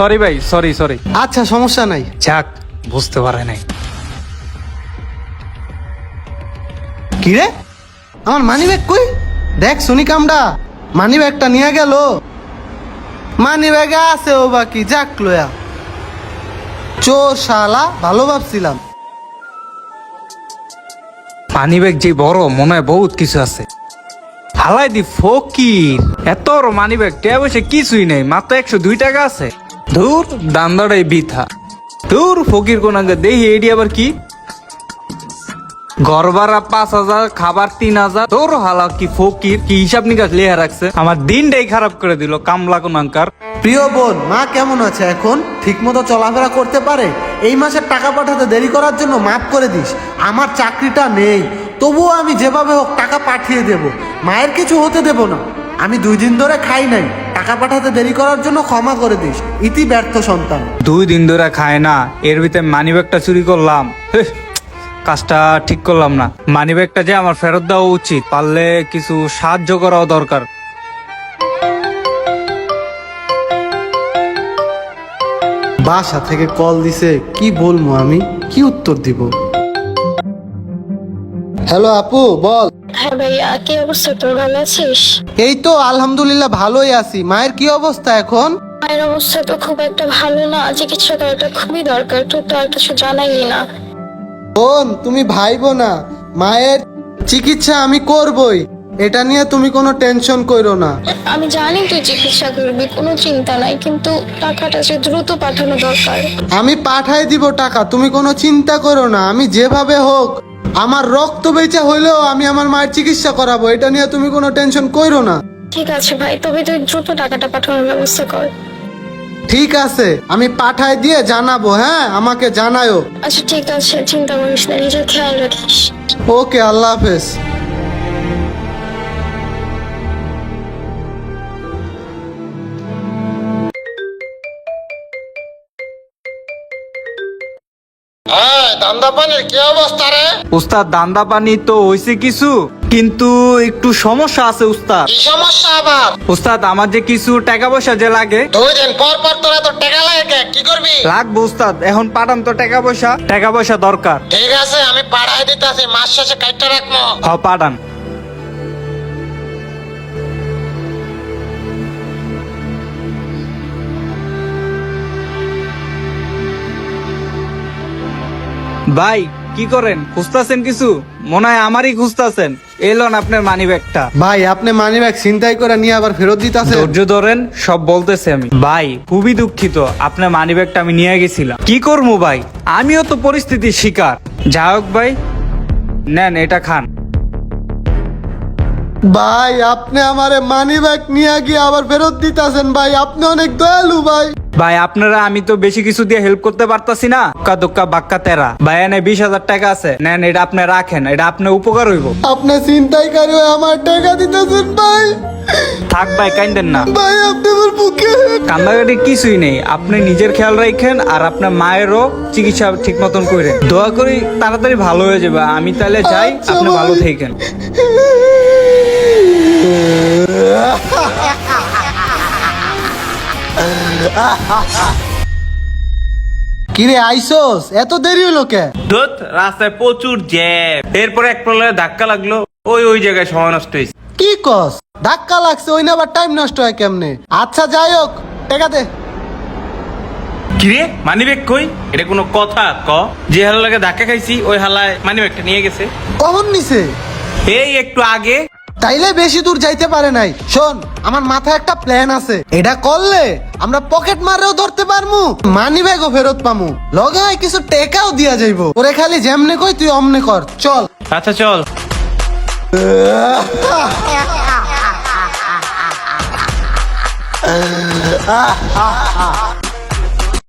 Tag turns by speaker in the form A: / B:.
A: Sorry ভাই, sorry sorry.
B: আচ্ছা সমস্যা নাই।
A: যাক, বুঝতে পারে নাই।
B: কি রে, আমার মানি ব্যাগ কই? দেখ শুনি কামডা মানি ব্যাগটা নিয়ে গেল। মানি ব্যাগে আছে ও বাকি, যাক লয়া। চোর শালা, ভালো ভাবছিলাম।
A: মানি ব্যাগ যে বড়, মনে হয় বহুত কিছু আছে। হালাই দি ফকির, এত বড় মানি ব্যাগ, টিয়া বসে কিছুই নেই, মাত্র 102 টাকা আছে। ধুর, দান্দাটাই বৃথা। ধুর, ফকির কোন আগে দেখি এডি আবার কি। ঘর ভাড়া 5,000, খাবার 3,000। তোর হালা কি ফকির, কি হিসাব নিকাশ লেহা রাখছে, আমার দিনটাই খারাপ করে দিল কামলা কোনাঙ্কার।
B: প্রিয় বোন, মা কেমন আছে এখন? ঠিক মতো চলাফেরা করতে পারে? এই মাসের টাকা পাঠাতে দেরি করার জন্য মাফ করে দিস। আমার চাকরিটা নেই, তবুও আমি যেভাবে হোক টাকা পাঠিয়ে দেব। মায়ের কিছু হতে দেব না। আমি 2 দিন ধরে খাই নাই, টাকা পাঠাতে দেরি করার জন্য ক্ষমা করে দিস। ইতি ব্যর্থ সন্তান।
A: 2 দিন ধরে খায় না, এর ভিতরে মানি ব্যাগটা চুরি করলাম। হেহ, কাজটা ঠিক করলাম না। মানি ব্যাগটা যে আমার ফেরত দেওয়া উচিত, পারলে কিছু সাহায্য করাও দরকার।
B: বাসা থেকে কল দিছে, কি বলবো আমি, কি উত্তর দিব? হ্যালো আপু, বল।
C: হ্যাঁ ভাইয়া, কি অবস্থা তোর? ভালো আছিস?
B: এই তো আলহামদুলিল্লাহ ভালোই আছি। মায়ের কি অবস্থা এখন?
C: মায়ের অবস্থা তো খুব একটা ভালো না, চিকিৎসা করাটা খুবই দরকার। তোর তো আর কিছু জানাইলি না।
B: বোন, তুমি ভাইবো না, মায়ের চিকিৎসা আমি করবই, এটা নিয়ে তুমি কোনো টেনশন করো না।
C: আমি জানি তুই চিকিৎসা করবি, কোনো চিন্তা নাই, কিন্তু টাকাটা যে দ্রুত পাঠানো দরকার।
B: আমি পাঠাই দিব টাকা, তুমি কোনো চিন্তা করো না। আমি যেভাবে হোক, আমার রক্ত বেচা হইলেও আমি আমার মায়ের চিকিৎসা করাবো, এটা নিয়ে তুমি কোনো টেনশন করো না।
C: ঠিক আছে ভাই, তবে তুই দ্রুত টাকাটা পাঠানোর ব্যবস্থা কর।
B: ঠিক আছে, আমি পাঠাই দিয়ে জানাবো। হ্যাঁ, আমাকে জানায়ও।
C: আচ্ছা ঠিক আছে, চিন্তা করিস না, নিজের খেয়াল রাখিস।
B: ওকে, আল্লাহ হাফেজ। দান্দাপানির কি অবস্থা রে?
A: উস্তাদ, দান্দা পানি তো হয়েছে কিছু, কিন্তু একটু সমস্যা আছে উস্তাদ।
B: কি সমস্যা আবার?
A: উস্তাদ, আমার যে কিছু টাকা পয়সা যে লাগে।
B: 2 দিন পর পর তোরা তো টাকা লাগে, কি করবি?
A: লাগবে উস্তাদ, এখন পাঠান তো টাকা পয়সা দরকার।
B: ঠিক আছে, আমি পাঠাই দিতেছি, মাস শেষে কাইটটা রাখবো।
A: হ, পাঠান। ভাই কি করেন, খুঁজতাছেন কিছু? মনে হয় আমারই খুঁজতাছেন। এলন আপনার মানি ব্যাগটা।
B: ভাই, আপনি মানি ব্যাগ ছিনতাই করে নিয়ে আবার ফেরত দিতেছেন?
A: ধৈর্য ধরেন, সব বলতেছি আমি। ভাই খুবই দুঃখিত, আপনার মানি ব্যাগটা আমি নিয়ে গেছিলাম। কি করবো ভাই, আমিও তো পরিস্থিতির শিকার। যাই হোক ভাই, নেন এটা খান।
B: ভাই, আপনি আমারে মানি ব্যাগ নিয়ে গিয়ে আবার ফেরত দিতেছেন। ভাই, আপনি অনেক দয়ালু ভাই।
A: ভাই আপনারা, আমি তো বেশি কিছু দিয়ে হেল্প করতে পারতাছি না। দোক্কা বাক্কা তেরা ভাই, এনে 20,000 টাকা আছে, নেন এটা আপনি রাখেন, এটা আপনার উপকার হইব।
B: আপনি ছিনতাইকারী হয়ে আমার টাকা দিতেছেন ভাই।
A: থাক ভাই, কাইন্দেন না
B: ভাই, আপনি আমার বুকে।
A: কান্দাকাটি কিছুই নেই, আপনি নিজের খেয়াল রাখেন, আর আপনার মায়েরও চিকিৎসা ঠিক মতন করেন। দোয়া করি তাড়াতাড়ি ভালো হয়ে যাবে। আমি তাহলে যাই,
B: আচ্ছা
A: আপনি
B: ভাই।
A: ভালো থাকেন।
B: কিরে আইসোস, এত দেরি হলো কে?
D: ধুত, রাস্তায় প্রচুর জ্যাম। এরপরে এক প্রলয়ে ধাক্কা লাগলো, ওই জায়গায় সময় নষ্ট হয়েছে।
B: কি কস? ধাক্কা লাগছে, ওই না আবার টাইম নষ্ট হয় কেমনে? আচ্ছা যাই হোক, টাকা দে।
D: কিরে, মানি ব্যাগ কই? এটা কোনো কথা ক? যে হালার লাগে ধাক্কা খাইছি, ওই হালায় মানি ব্যাগটা নিয়ে গেছে।
B: কখন নিছে?
D: এই একটু আগে।
B: তাইলে বেশি দূর যাইতে পারে নাই। শোন, আমার মাথায় একটা প্ল্যান আছে। এটা করলে আমরা পকেট মারেও ধরতে পারমু, মানি ব্যাগও ফেরত পামু, লগে হয় কিছু টেকাও দিয়া যাইবো। ওরে খালি যেমনে কই তুই অমনে কর, চল।
D: আচ্ছা চল।